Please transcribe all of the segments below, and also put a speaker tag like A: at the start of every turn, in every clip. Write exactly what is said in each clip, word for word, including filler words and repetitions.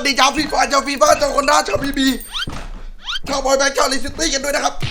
A: ดีชาวฟีฟ่าชาวฟีฟ่าชาวคนด้าชาวบีบีชาวบอยแบงค์ชาวลิซิตี้กันด้วยนะครับ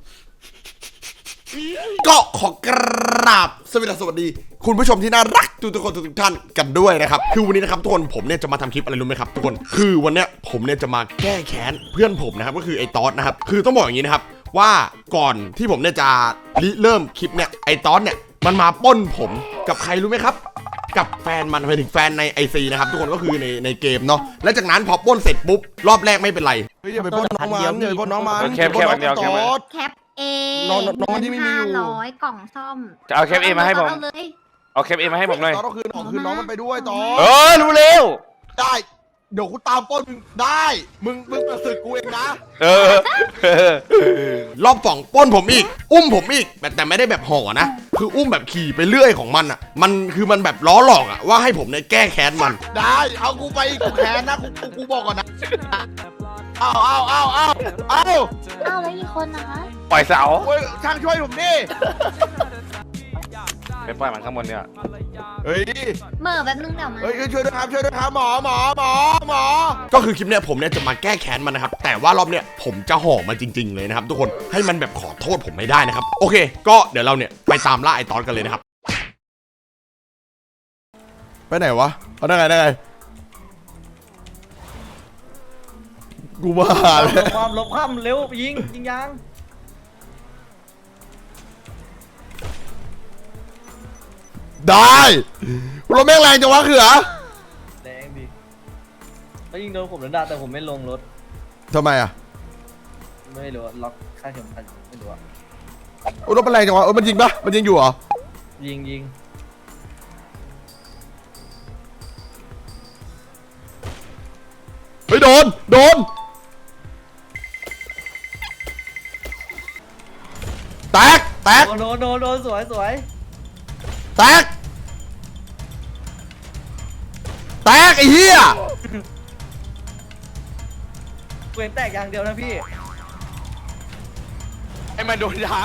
A: ก็ขอกราบสวัสดีสวัสดีคุณผู้ชมที่น่ารักทุกทุกคนทุกท่านกันด้วยนะครับคือวันนี้นะครับทุกคนผมเนี่ยจะมาทำคลิปอะไรรู้ไหมครับทุกคนคือวันเนี้ยผมเนี่ยจะมาแก้แค้นเพื่อนผมนะครับก็คือไอ้ตอสนะครับคือต้องบอกอย่างนี้นะครับว่าก่อนที่ผมเนี่ยจะริเริ่มคลิปเนี่ยไอ้ตอสเนี่ยมันมาปล้นผมกับใครรู้ไหมครับกับแฟนมันไปถึงแฟนใน ไอ ซี นะครับทุกคนก็คือในในเกมเนาะแล้วจากนั้นพอปล้นเสร็จปุ๊บรอบแรกไม่เป็นไรเฮ้ยอย่าไปปล้นน้องมันอย่าไปปล้นน้องมัน
B: แคปแคปอันเดียวแคป
C: แคปเอ
A: น้องน้องที่ไม่มีอยู่
C: ห้าร้อยกล่องซ่อม
B: จะเอาแคปเอมาให้ผม
C: เอาเลย
B: เอาแคปเอมาให้ผมหน่อย
A: ตอสต้องคืนของคืนน้องมันไปด้วยตอ
B: เอ
A: ส
B: อรู้เร็ว
A: ได้เดี๋ยวกูตามปล้นมึงได้มึงมึงมาสึกกูเองนะ
B: เออรอบสองปล้นผมอีกอุ้มผมอีกแต่แต่ไม่ได้แบบห่อนะคืออุ้มแบบขี่ไปเรื่อยของมันอ่ะมันคือมันแบบล้อหลอกอ่ะว่าให้ผมเนี่ยแก้แค้นมัน
A: ได้เอากูไปกูแค้นนะกูกูกูบอกก่อนนะเอาเอาเอาเอาเอา
C: เอาแล้วกี่คนนะคะ
B: ปล่อยเสา
A: โอ้ยช่างช่วยผมดิ
B: ไปปล่อยมันข้างบนเนี่ย
A: เฮ้ย
C: เหม่อแบบนึงเดี๋ยวมา
A: เฮ้ยช่วยด้วยครับช่วยด้วยครับหมอหมอหมอหมอก็คือคลิปเนี้ยผมเนี่ยจะมาแก้แค้นมันนะครับแต่ว่ารอบเนี้ยผมจะห่อมันจริงๆเลยนะครับทุกคนให้มันแบบขอโทษผมไม่ได้นะครับโอเคก็เดี๋ยวเราเนี่ยไปตามล่าไอ้ตอสกันเลยนะครับไปไหนวะเอาได้ไงได้ไงกูมาเลย
D: ลบความลบความเร็วยิงยิงยาง
A: ได้รถแม่งแรงจังวะเขือ
D: แดงดิเขายิงโดนผมแล้วด่าแต่ผมไม่ลงรถ
A: ทำไมอ่ะ
D: ไม่รู้อะล็อกค่าเข็มขัดไม่รู้อะ
A: โอ้รถมันแรงจังวะเออมันยิงปะมันยิงอยู่เหรอ
D: ยิงยิง
A: เฮ้ยโดนโดนแตกแตก
D: โดนโดนโดนโดนสวยสวย
A: แตกแตกไอ้เหี้ย
D: เว้นแตกอย่างเดียวนะพี่
B: ไอ้มันโดนยาง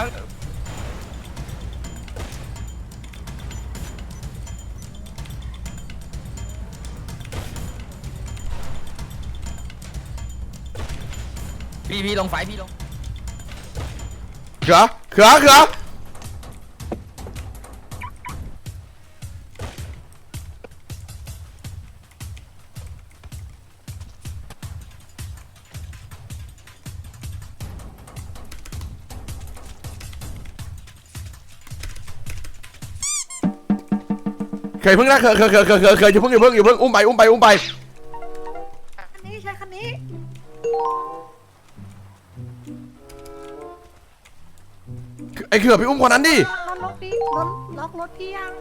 E: พี่พี่ลงไฟพี่ลง
A: เขือเขือเขือเคยเพิ่งนะเคยเคยเคยเคยเคยเคยอย่าเพิ่งอย่าเพิ่งอย่าเพิ่งอุ้มไปอุ้มไปอุ้มไป
C: คันนี้ใช้คันนี้
A: ไอ้เขือไปอุ้มคนนั้นดิ
C: ล็อกรถพี่รถล็อกรถพี่ยัง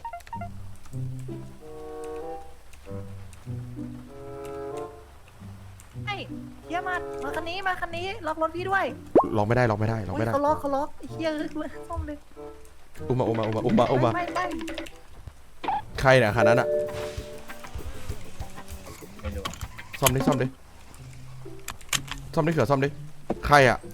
C: ไอ้เฮียมามาคันนี้มาคันนี้ล็อกรถพี่ด้วย
A: ล็อกไม่ได้ล็อกไม่ได้ล็อก
C: โอ้ย
A: ไม่ได้
C: เขาล็อกเขาล็อกไอ้เฮียซ่อมเลย
A: อุ้มมาอุ้มมาอุ้มมาอุ้มมาอุ้มมา
C: ไม่ไม่
A: ใครเนี่ยคันนั้นอะ
D: ไม่รู้
A: ซ่อมดิซ่อมดิซ่อมดิเขือซ่อมดิใครอะ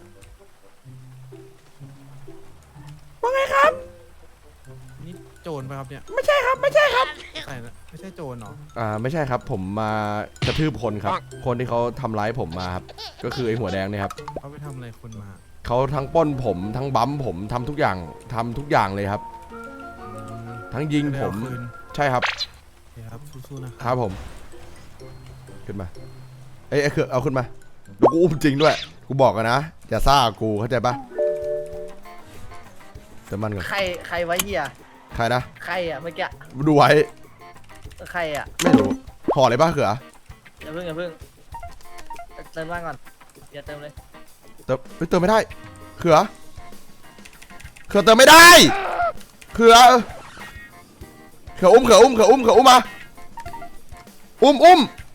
A: ว่าไงครับ
F: นี่โจรป่ะครับเนี่ย
A: ไม่ใช่ครับไม่ใช่ครับ
F: ใช่นะไม่ใช่โจรเหรอ
A: อ่าไม่ใช่ครับผมมากระทืบคนครับคนที่เขาทำร้ายผมมาครับก็คือไอ้หัวแดงเนี่ยครับ
F: เขาไปทำอะไรคนมา
A: เขาทั้งปล้นผมทั้งบั๊มผมทำทุกอย่างทำทุกอย่างเลยครับ ทั้งยิงผม
F: ไได้เอาคืน
A: ใช่ครับ
F: โอเคครับสู้ๆนะ
A: ครับผมขึ้นมาเอ้ยไอ้เขือเอาขึ้นมาแล้วกูอุ้มจริงด้วยกูบอกกันนะอย่าซ่ากูเข้าใจปะแต่มันก่อน
D: ใครใครไว้เฮีย
A: ใครนะ
D: ใครอะเมื่อกี้
A: ดูไว้
D: ใครอะ
A: ไม่รู้ห่ออะไรบ้างเขือ
D: อย่าเพิ่งอย่าเพิ่งเติมบ้านก่อนอย่าเติมเลย
A: เติมเฮ้ยเติมไม่ได้เขือเขือเติมไม่ได้เขือเขืออุ้มเขืออุ้มเขืออุ้มเขืออุ้มมาอุ้มอุ้ม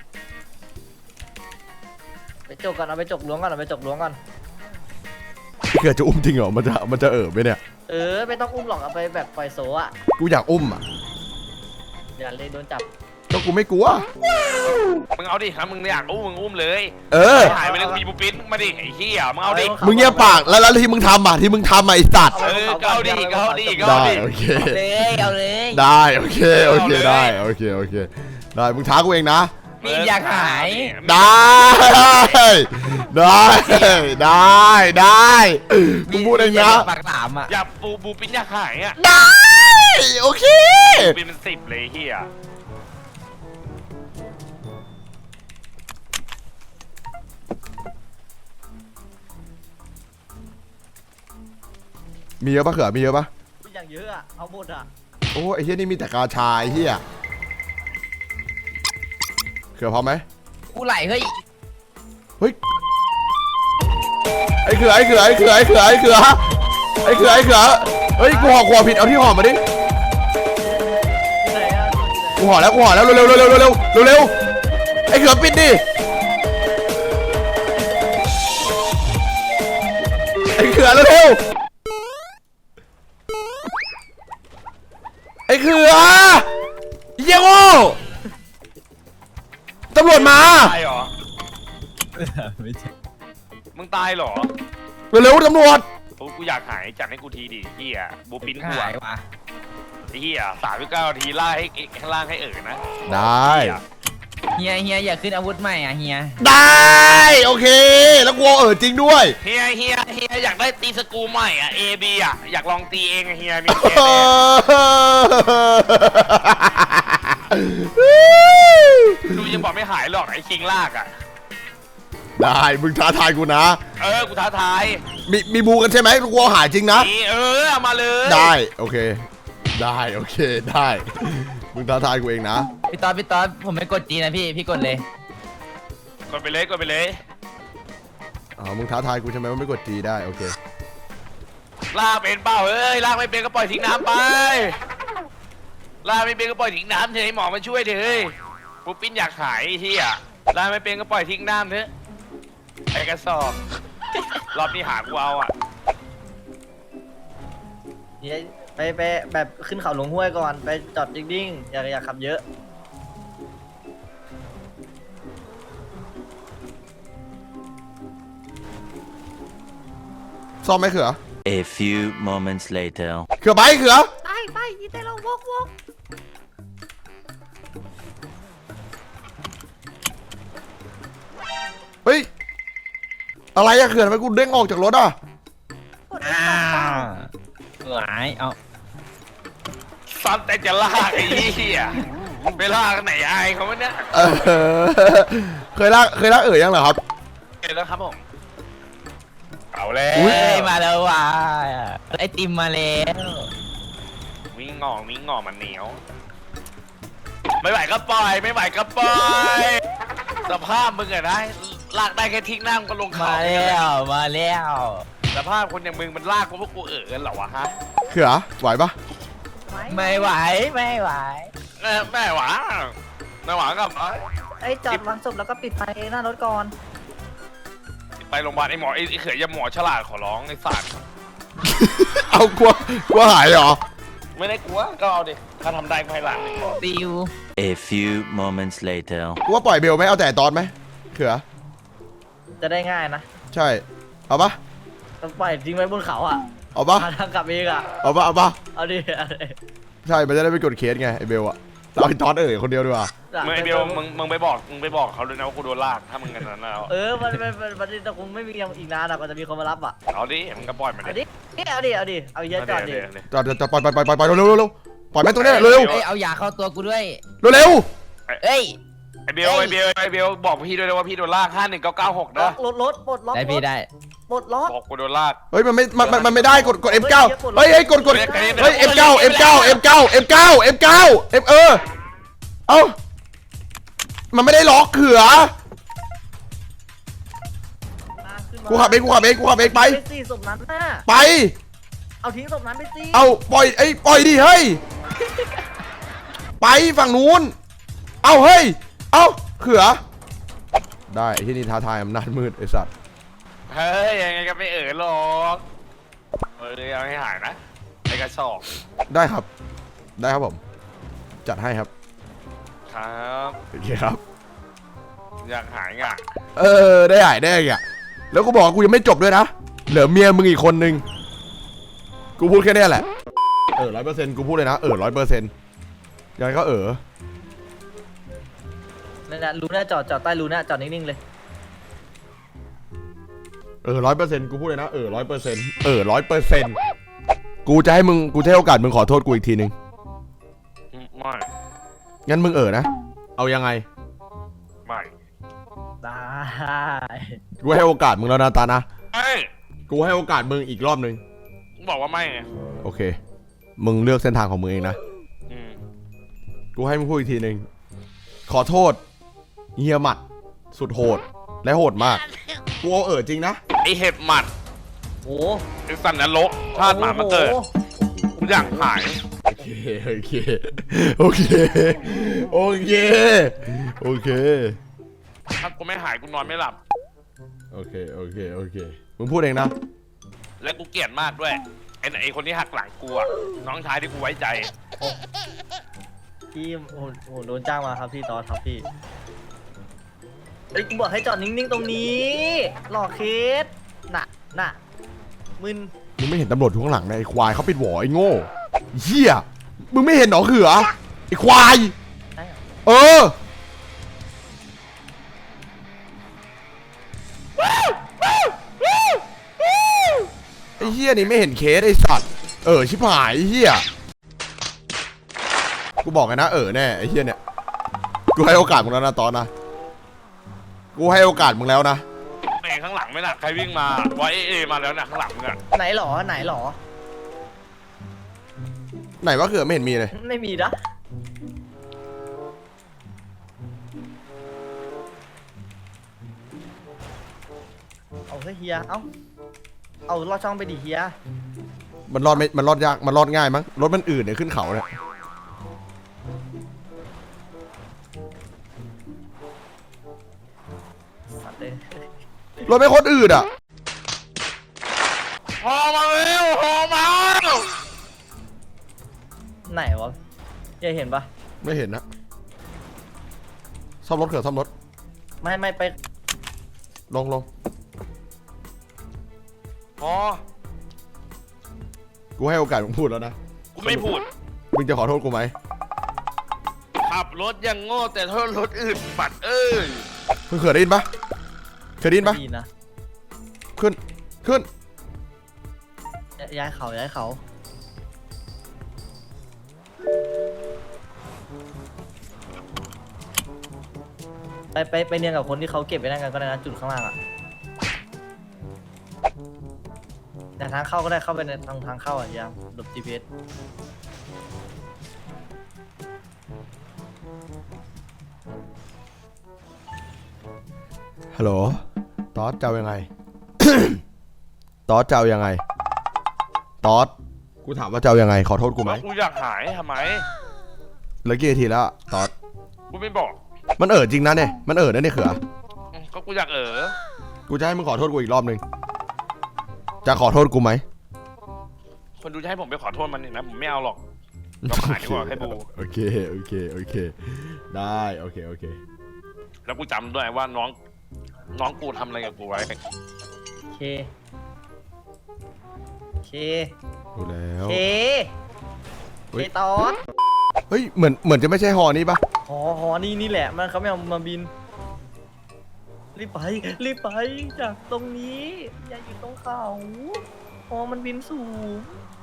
D: ไปจกก่อนเอาไปจกล้วงก่อนเอาไปจกล้วงก่อน
A: เขือจะอุ้มจริงเหรอมันจะมันจะเออไหมเนี่ย
D: เออไม่ต้องอุ้มหรอกเอาไปแบบปล่อยโซอะ
A: กูอยากอุ้มอ่ะ
D: อย่าเลยโดนจับ
A: ก็กูไม่กลัว
B: มึงเอาดิครับมึงอยากอุ้มมึงอุ้มเลย
A: เออ
B: หายไปเลยกูมีบูปินมาดิไอ้เหี้ยมึงเอาดิ
A: มึงเงียบปากแล้วแล้วที่มึงทำอ่ะที่มึงทำอ่ะไอ้สัตว์
B: เออก็เอาดิก็เอาดิก็เอา
A: ได้
B: ดิ
A: โอเค
E: เลยเอาเลย
A: ได้โอเคโอเค
B: เอาเลย
A: ได้โอเคโอเคได้มึงท้ากูเองนะ
E: พี่อยากหาย
A: ได้ได้ได้ได้มึงพูดเองนะ
E: ปากหลามอ่ะ
G: อย่าบูบูปิ้นอยากหายอ่ะ
A: ได้โอเค
G: บูปิ้นเป็นสิบเลยเฮีย
A: มีเยอะปะเขือมีเยอะปะ
D: อย่างเยอะอะเอาหมดอะ
A: โอ้ไอ้เฮียนี่มีแต่กาชายเฮียเขือพร้อมไหม
E: กูไหลเฮ้ย
A: เฮ้ยไอ้เขือไอ้เขือไอ้เขือไอ้เขือไอ้เขือไอ้เขือไอ้เขือเฮ้ยกูห่อขวผิดเอาที่ห่อมาดิ
D: ที่ไหนอะที่ไหน
A: กูห่อแล้วกูห่อแล้วเร็วเร็วเร็วเร็วเร็วเร็วเร็วไอ้เขือปิดดิไอ้เขือเร็วเร็วไอ้เขือเยี่ยโง่ตำรวจมา
G: ตายเหรอ
F: ไม่ใช่
G: มึงตายเหรอ
A: เร็วๆตำรวจ
G: โอ้กูอยากหายจัดให้กูทีดิเฮียบูปิ้นกู
E: หา
G: อะ
E: ยว่ะ
G: ไอ้เฮียสามสิบเก้านาทีล่าให้ข้างล่างให้เอ๋อนะ
A: ได้
E: เฮียเฮียอยากขึ้นอาวุธใหม่อ่ะเฮีย
A: ได้โอเคแล้วกูเออจริงด้วย
G: เฮียเฮียเฮียอยากได้ตีสกรูใหม่อ่ะ A B อ่ะอยากลองตีเองอะเฮียมีแค่ดูยังบอกไม่หายหรอกไอ้คิงลากอ่ะ
A: ได้มึงท้าทายกูนะ
G: เออกูท้าทาย
A: มีมีบูกันใช่ไหมกูเอาหายจริงนะ
G: นี่เออเอามาเลย
A: ได้โอเค ได้โอเคได้มึงท้าทายกูเองนะ
E: พี่ต๊อดพี่ต๊อดผมไม่กดจีนะพี่พี่กดเลย
G: กดไปเลยกดไปเลย
A: อ๋อมึงท้าทายกูใช่ไหมว่าไม่กดจีได้โอเค
G: ลากเป็นเปล่าเอ้ยลากไม่เป็นก็ปล่อยทิ้งน้ำไปลากไม่เป็นก็ปล่อยทิ้งน้ำเถอะให้หมอมาช่วยเถอะเฮ้ยปุ๊บปิ้นอยากหายไอ้เฮียลากไม่เป็นก็ปล่อยทิ้งน้ำเถอะไอ้กระสอบรอบนี้หากูเอาอ่ะ
D: เฮียไปไปแบบขึ้นเขาหลวงห้วยก่อนไปจอดดิ่งๆอย่าอย่าขับเยอะ
A: ซ่อมไหมเขือ
H: A few moments later.
A: เขือไปเขือ
C: ไปไปยีเตเราวกวก
A: เฮ้ยอะไรอะเขือทำไมกูเด้งออกจากรถอะ
C: กด F สอง
E: หายเอา
G: ซันแต่จะลากไอ้เหี้ยไปลากไหนอายเขาวะเนี่ย
A: เออเคยลากเคยลากเอ๋ยยังเหรอครับ
G: เห็นแล้วครับผมเอาแล้
A: อุ๊
E: เฮ้
G: วย
E: มาแล้วว่ะไอติมมาแล้ว
G: วิ่งงอวิ่งงอมันเหนียว ไม่ไหวก็ปล่อยไม่ไหวก็ปล่อยสภาพมึงอะนะลากได้แค่ทิ้งน้ำก็ลงเขา
E: มาแล้วมาแล้ว
G: สภาพคนอย่างมึงมันลากกูพวกกูเอ๋อกันเหรอวะฮะ
A: เขือไหวปะ
E: ไม่ไหวไม่ไหว
G: เออแม่หวาแม่หวากับเอ้ย
C: ไอ้ยจอดวางศพแล้วก็ปิดไฟหน้ารถก่อน
G: ไปโรงพยาบาลไอ้หมอไอ้ไอ้เขยอยาหมอฉลาดขอร้องไอ้สัตว์
A: เอากลัวกลัวหายเหรอ
G: ไม่ได้กลัวก็เอาดิถ้าทำได้ก็ให้หลานดิ
E: ติว
H: A few moments later.
A: กูว่าปล่อยเบลไหมเอาแต่ตอนไหมเขือ
D: จะได้ง่ายนะ
A: ใช่เอาปะ
D: ต้องปล่อยทิ้งไว้บนเขาอ่ะ
A: เอาปะ
D: หาทางกลับเองอ่ะ
A: เอาปะเอาปะ
D: เอาดิเอาดิ
A: ใช่มันจะได้ไม่กดเคสไงไอเบลอะเราไอ้ตอนเอ๋ยคนเดียวดีกว่า
G: มึงไอ้เบลมึงมึงไปบอกมึงไปบอกเขาด้วยนะว่ากูโดนลากถ้ามึงกันนั้นแล้ว
D: เออมันมันมันมันจะคงไม่มียังอีกนานอ่ะกว่าจะมีคนมารับอ่ะ
G: เอาดิมึงก็ปล่อยมัน
D: เอา
G: ดิ
D: ดิเอาดิเอาดิเอาเยอะจอดดิ
G: เดี๋ยวเดี๋ยว
A: จอดจอดปล่อยปล่อยปล่อยปล่อยเร็วเร็วเร็วปล่อยแม่งตรงนี้เร็วเร็ว
E: เอ้ยเอายาเข้าตัวกูด้วย
A: เร็วเร็ว
E: เอ้ย
G: ไอ้เบลไอ้เบลไอ้เบลบอกพี่ด้วยนะว่าพี่โดนลากห้าหนึ่งเก้าเก้าหก
D: ล็อ
G: นะ
D: กรถรถปลดล็อก
E: ได้
D: ร
E: พี่
D: ถ
E: ได้
D: ปลดล็อก
G: บอกกูโดนลาก
A: เฮ้ยมันไม่มันมันมันไม่ได้กดกด เอฟ เก้า เฮ้ยเฮ้ยกดกด
G: เฮ้ย
A: เฮ้ย เอฟ เก้า เอฟ เก้า เอฟ เก้า เอฟ เก้า เอฟ เก้า เอฟเออเอ้ามันไม่ได้ล็อกเขือ
D: มาขึ้นมา
A: กูขับเองกูขับเองกูขับเองไป
D: ไปสี่ศพนั้นน่ะ
A: ไป
D: เอาทิ้งศพนั้นไปสิ
A: เอาปล่อยไอ้ยปล่อยดิเฮ้ยไปฝั่งนู้นเอาเฮ้ยเอาเขือได้ไอ้ที่นี่ท้าทายอำนาจมืดไอ้สัตว์
G: เฮ้ยยังไงก็ไม่เอ๋อหรอกเออเอาให้หายนะไอ้กระสอบ
A: ได้ครับ ได้ครับผม จัดให้ครับ
G: ครับ
A: โอเคครับ
G: อยากหายอ่ะ
A: เออได้หายได้อ่ะแล้วกูบอกว่ากูยังไม่จบด้วยนะเหลือเมียมึงอีกคนนึงกูพูดแค่เนี้ยแหละเออร้อยเปอร์เซ็นต์กูพูดเลยนะเออร้อยเปอร์เซ็นต์ยังไงก็เออ
D: ในนั่นนะรูน่าจอดจอดใต้รูน่าจอดนิ่งๆเลย
A: เออร้อยเปอร์เซ็นต์กูพูดเลยนะเออร้อยเปอร์เซ็นต์เออร้อยเปอร์เซ็นต์กูจะให้มึงกูจะให้โอกาสมึงขอโทษกูอีกทีนึง
G: ไม่
A: งั้นมึงเออนะเอายังไง
G: ไม่
D: ได้
A: กูให้โอกาสมึงแล้วนะตานะ
G: ไม่
A: กูให้โอกาสมึงอีกรอบนึง
G: มึงบอกว่าไม่ไง
A: โอเคมึงเลือกเส้นทางของมึงเองนะ
G: อืม
A: กูให้มึงพูดอีกทีนึงขอโทษเฮียหมัดสุดโหดและโหดมากกูเอาเออจริงนะ
G: ไอเห็บหมัด
D: โอ้
G: ไอสันนรกพลาดหมามาเกิดกูอยากหาย
A: โอเคโอเคโอเคโอเคโอเค
G: ถ้ากูไม่หายกูนอนไม่หลับ
A: โอเคโอเคโอเคมึงพูดเองนะ
G: และกูเกลียดมากด้วยไอ้ไอ้คนที่หักหลังกูอะน้องชายที่กูไว้ใจ
D: พี่โอ้โหโดนจ้างมาครับพี่ตอนครับพี่เอ้ยกูบอกให้จอดนิ่งๆตรงนี้หลอกเคสน่ะน่ะมึน
A: มึงไม่เห็นตำรวจทุกข้างหลังนะไอ้ควายเขาปิดหวอไอ้โง่เหี้ยมึงไม่เห็นหรอเขือไอ้ควาย
D: ได้เหรอ
A: เออไอ้เหี้ยนี่ไม่เห็นเคสไอ้สัตว์เออชิบหายไอ้เหี้ยกูบอกกันนะเออแน่ไอ้เหี้ยเนี่ยกูให้โอกาสมึงแล้วนะตอนนะกูให้โอกาสมึงแล้วนะ
G: ไอ้ข้างหลังไม่น่ะใครวิ่งมาว่าเอเอมาแล้วนะข้างหลังมึงอะ
D: ไหนหรอไหนหรอ
A: ไหนว่าเขือไม่เห็นมีเลย
D: ไม่มีนะเอาเฮ้ยเฮียเอาเอาลอดช่องไปดิเฮีย
A: มันรอดไม่มันรอดยากมันรอดง่ายมั้งรถมันอื่นเนี่ยขึ้นเขาเนี่ย
D: สัตว์เลย
A: รถไม่โคตรอืดอ่ะ
G: พอมาเร็วพอมา
D: ไหนวะเฮียเห็นปะ
A: ไม่เห็นนะซ่อมรถเขือซ่อมรถ
D: ไม่ไม่ไป
A: ลงลง
G: พอ
A: กูให้โอกาสมึงพูดแล้วนะ
G: กูไม่พูด
A: มึงจะขอโทษกูไหม
G: ขับรถยังโง่แต่โทษรถอื่นปัดเอ้ย
A: เขือได้ยินปะเคยได้ยินปะ
D: ดีนะ
A: ขึ้นขึ้น
D: ย้ายเขาย้ายเขาไปไปไปเนียนกับคนที่เขาเก็บไปนั่นกันก็ได้นะจุดข้างล่างอ่ะแต่ทางเข้าก็ได้เข้าไปในทางทางเข้าอ่ะยังหลบ จี พี เอส
A: ฮัลโหลตอสจะเอายังไง ตอสจะเอายังไงตอสกูถามว่าจะเอายังไงขอโทษกูไหม
G: แล้วกูอยากหายทำไม
A: เหลือกี่นาทีแล้วอะตอส
G: กูไม่บอก
A: มันเอ่อจริงนะเนี่ยมันเอ่อนะเนี่ยเขือ
G: อืมก็กูอยากเออ
A: กูจะให้มึงขอโทษกูอีกรอบนึงจะขอโทษกูไหม
G: คนดูจะให้ผมไปขอโทษมันนี่นะผมไม่เอาหรอกยอมหายดีกว่าให้ดู
A: โอเคโอเคโอเคได้โอเคโอเค
G: แล้วกูจำด้วยว่าน้องน้องกูทำอะไรกับกูไว้
D: โอเคโอเค
A: ดูแล้ว
D: โอเค
A: เฮ้
D: เค
A: ย
D: ตอน
A: เฮ้ยเหมือนเหมือนจะไม่ใช่ฮอนี้ปะ
D: หอหอนี่นี่แหละมันเขาไม่เอามาบินรีบไปรีบไปจากตรงนี้อย่าอยู่ตรงเขาหอมันบินสูง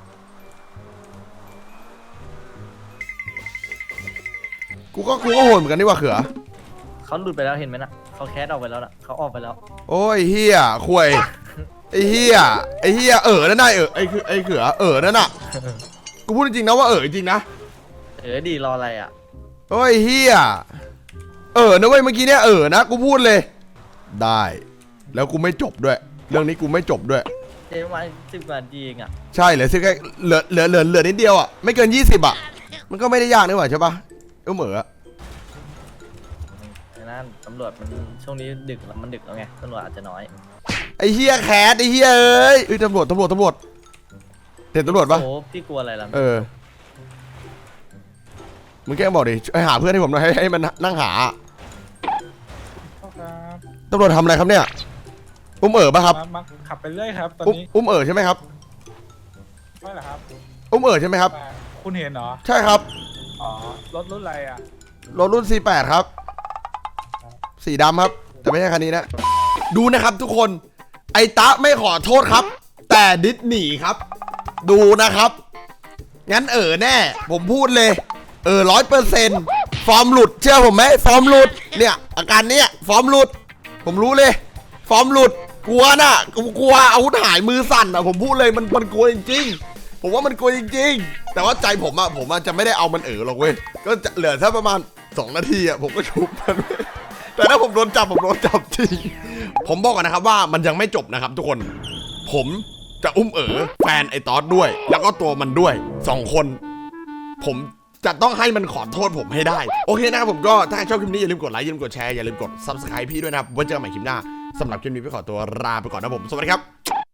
A: กูก็กูก็โหดเหมือนกันนี่ว่าเขือ
D: เขาหลุดไปแล้วเห็นไหมนะเขาแคสออกไปแล้วนะเขาออกไปแล้ว
A: โอ้ยเฮียควยไอ้เฮียไอ้เฮียเออนั่นน่ะเออไอ้คือไอ้เขือเออนั่นน่ะกูพูดจริงๆนะว่าเออจริงๆนะ
D: เออดีรออะไรอ่ะ
A: โอ้ยเฮียเออนะเว้ยเมื่อกี้เนี่ยเออนะกูพูดเลยได้ แล้วกูไม่จบด้วย เรื่องนี้กูไม่จบด้วย
D: เจ๊ประมาณสิบกว่านาทีเองอ่ะ
A: ใช่เหลือสิแค่เหลือเหลือเหลือเหลือนิดเดียวอ่ะไม่เกินยี่สิบอ่ะมันก็ไม่ได้ยากนี่หว่าใช่ปะเออเหมือ
D: ไอ้นั่นตำรวจมันช่วงนี้ดึกแล้วมันดึกแล้วไงตำรวจอาจจะน้อย
A: ไอ้เฮียแคสไอ้เฮียเอ้ยเอ้ยตำรวจตำรวจตำรวจเห็นตำรวจปะ
D: โอ้พี่กลัวอะไรล่ะ
A: เออมึงแกล้งบอกดิให้หาเพื่อนให้ผมหน่อยให้ให้มันนั่งหาตำรวจทำอะไรครับเนี่ยอุ้มเอ๋อปะครับ
F: มามาขับไปเรื่อยครับ ตอน
A: อุ้ม
F: นี้
A: อุ้มเอ๋อใช่ไหมครับ
F: ไม่เหรอครับ
A: อุ้มเอ๋อใช่ไหมครับ
F: มาคุณเห็นเหรอ
A: ใช่ครับ
F: อ๋อ รถรุ่นอะไรอ่ะ
A: รถรุ่น ซี แปด ครับสีดำครับ แต่ไม่ใช่คันนี้นะ ดูนะครับทุกคน ไอ้ตะไม่ขอโทษครับ แต่ดิสหนีครับ ดูนะครับ งั้นเออแน่ ผมพูดเลย เออร้อยเปอร์เซ็นต์ฟอร์มหลุดเชื่อผมไหมฟอร์มหลุดเนี่ยอาการเนี้ยฟอร์มหลุด ผมรู้เลย ฟอร์มหลุดกลัวน่ะกลัวอาวุธหายมือสั่นอ่ะผมพูดเลยมันมันกลัวจริงๆผมว่ามันกลัวจริงๆแต่ว่าใจผมอ่ะผมอ่ะจะไม่ได้เอามันเออหรอกเว้ยก็จะเหลือแค่ประมาณสองนาทีอ่ะผมก็ชุบมันเว้ยแต่ถ้าผมโดนจับผมโดนจับจริงผมบอกก่อนนะครับว่ามันยังไม่จบนะครับทุกคนผมจะอุ้มเอ๋อแฟนไอ้ตอสด้วย แล้วก็ตัวมันด้วยสองคน ผมจะต้องให้มันขอโทษผมให้ได้โอเคนะครับผมก็ถ้าชอบคลิปนี้อย่าลืมกดไลค์อย่าลืมกดแชร์อย่าลืมกด ซับสไครบ์ พี่ด้วยนะครับไว้เจอกันใหม่คลิปหน้าสำหรับคลิปนี้พี่ขอตัวลาไปก่อนนะผมสวัสดีครับ